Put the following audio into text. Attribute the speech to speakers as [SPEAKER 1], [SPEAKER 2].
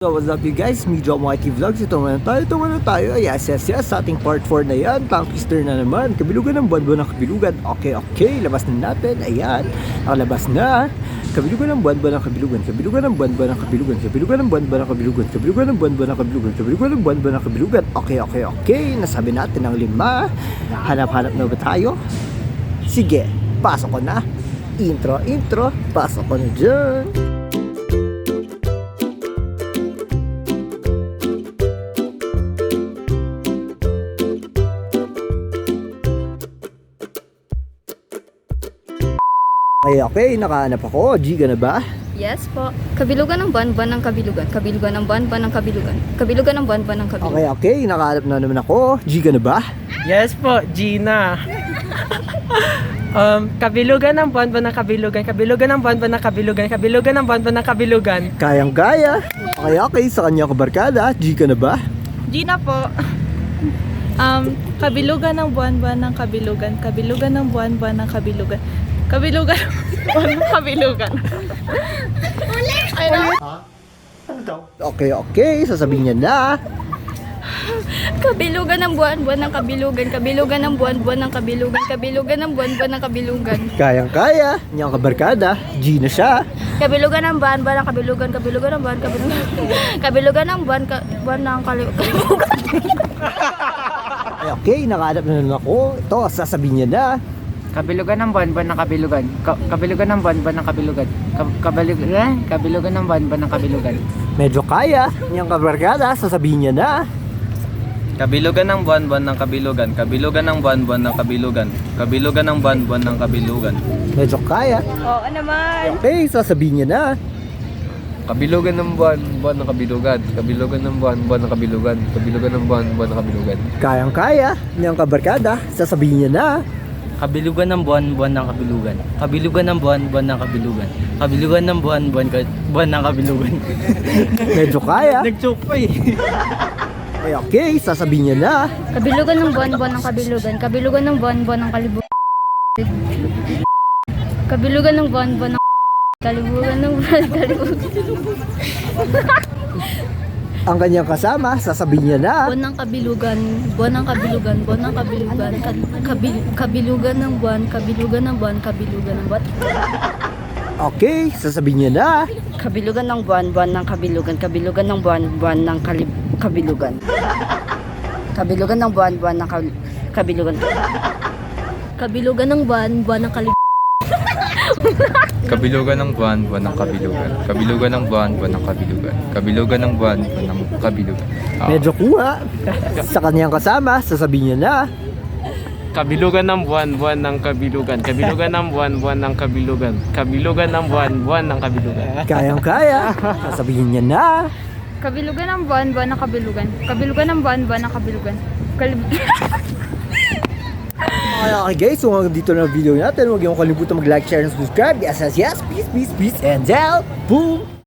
[SPEAKER 1] So what's up you guys, Medyo Mikey Vlogs. Ito muna tayo, yes, sa ating part 4 na yan. Tongue twister na naman, kabilugan ng buwan-buwan ng kabilugan. Okay, labas na natin, ayan, nakalabas na. Kabilugan ng buwan-buwan ng kabilugan, kabilugan ng buwan-buwan ng kabilugan, kabilugan ng buwan-buwan ng kabilugan, kabilugan ng buwan-buwan ng kabilugan, kabilugan ng buwan-buwan ng kabilugan. Okay, nasabi natin ang 5. Hanap-hanap na ba tayo? Sige, pasok ko na. Intro, pasok ko na dyan. Okay, nakahanap ako. G ka na ba?
[SPEAKER 2] Yes po. Kabilugan ng buwan-buwan ng kabilugan. Kabilugan ng buwan-buwan ng kabilugan. Kabilugan ng buwan-buwan ng kabilugan.
[SPEAKER 1] Okay, nakahanap na naman ako. G ka na ba?
[SPEAKER 3] Yes po, Gina. Kabilugan ng buwan-buwan ng kabilugan. Kabilugan ng buwan-buwan ng kabilugan. Kabilugan ng buwan-buwan ng kabilugan.
[SPEAKER 1] Kayang-kaya. Okay, sa kanya kabarkada. G ka na ba?
[SPEAKER 4] Gina po. Kabilugan ng buwan-buwan ng kabilugan. Kabilugan ng buwan-buwan ng kabilugan. Kabilugan ng buwan ng kabilugan.
[SPEAKER 1] Okay, sasabihin niya na.
[SPEAKER 2] Kabilugan ng buwan-buwan ng kabilugan. Kabilugan ng buwan-buwan ng kabilugan. Kabilugan ng buwan-buwan ng kabilugan.
[SPEAKER 1] Kayang-kaya. Niyang kabarkada. G na siya.
[SPEAKER 2] Kabilugan ng buwan-buwan ng kabilugan. Kabilugan ng buwan kabilugan. Kabilugan ng buwan ng kabilugan.
[SPEAKER 1] Okay, nakahanap na naman ako. Ito, sasabihin niya na.
[SPEAKER 3] Kabilugan ng buwan-buwan ng kabilugan. Kabilugan ng buwan-buwan ng kabilugan. Kabilugan ng buwan-buwan ng kabilugan.
[SPEAKER 1] Medyo kaya. Niyang kabarkada. Sasabihin niya na.
[SPEAKER 5] Kabilugan ng buwan-buwan ng kabilugan. Kabilugan ng buwan-buwan ng kabilugan. Kabilugan ng buwan-buwan ng kabilugan.
[SPEAKER 1] Medyo kaya.
[SPEAKER 4] Oo naman.
[SPEAKER 1] Okay, sasabihin niya na.
[SPEAKER 5] Kabilugan ng buwan-buwan ng kabilugan. Kabilugan ng buwan-buwan ng kabilugan. Kabilugan ng buwan-buwan ng kabilugan.
[SPEAKER 1] Kayang-kaya. Niyang kabarkada. Sasabihin niya na.
[SPEAKER 6] Kabilugan ng buwan-buwan ng kabilugan. Kabilugan ng buwan-buwan ng kabilugan. Kabilugan ng buwan-buwan ng kabilugan.
[SPEAKER 1] Medyo kaya.
[SPEAKER 6] Nag-choke pa eh.
[SPEAKER 1] Okay, sasabihin niya na.
[SPEAKER 2] Kabilugan ng buwan-buwan ng kabilugan. Kabilugan ng buwan-buwan ng kalibugan. Kabilugan ng buwan-buwan ng kalibugan ng kalibugan.
[SPEAKER 1] Ang kanyang kasama, sasabihin niya na.
[SPEAKER 2] Buwan ng kabilugan, buwan ng kabilugan, buwan ng kabilugan, kabilugan ng buwan, kabilugan ng buwan, kabilugan ng buwan.
[SPEAKER 1] Okay, sasabihin niya na.
[SPEAKER 2] Kabilugan ng buwan ng kabilugan, kabilugan ng buwan ng kabilugan. Kabilugan ng buwan ng kabilugan. Kabilugan ng buwan ng kabilugan.
[SPEAKER 5] Kabilugan ng buwan-buwan ng kabilugan. Kabilugan ng buwan-buwan ng kabilugan. Kabilugan ng buwan-buwan ng kabilugan.
[SPEAKER 1] Medyo kuha. Sa kanyang kasama, sasabihin niya na.
[SPEAKER 3] Kabilugan ng buwan-buwan ng kabilugan. Kabilugan ng buwan-buwan ng kabilugan. Kabilugan ng buwan-buwan ng kabilugan.
[SPEAKER 1] Kayang-kaya. Sasabihin niya na.
[SPEAKER 2] Kabilugan ng buwan ng kabilugan. Kabilugan ng buwan ng kabilugan.
[SPEAKER 1] Okay guys, so hanggang dito na ang video natin. Huwag niyong kalimutan mag-like, share, and subscribe. Yes, peace, and out. Boom!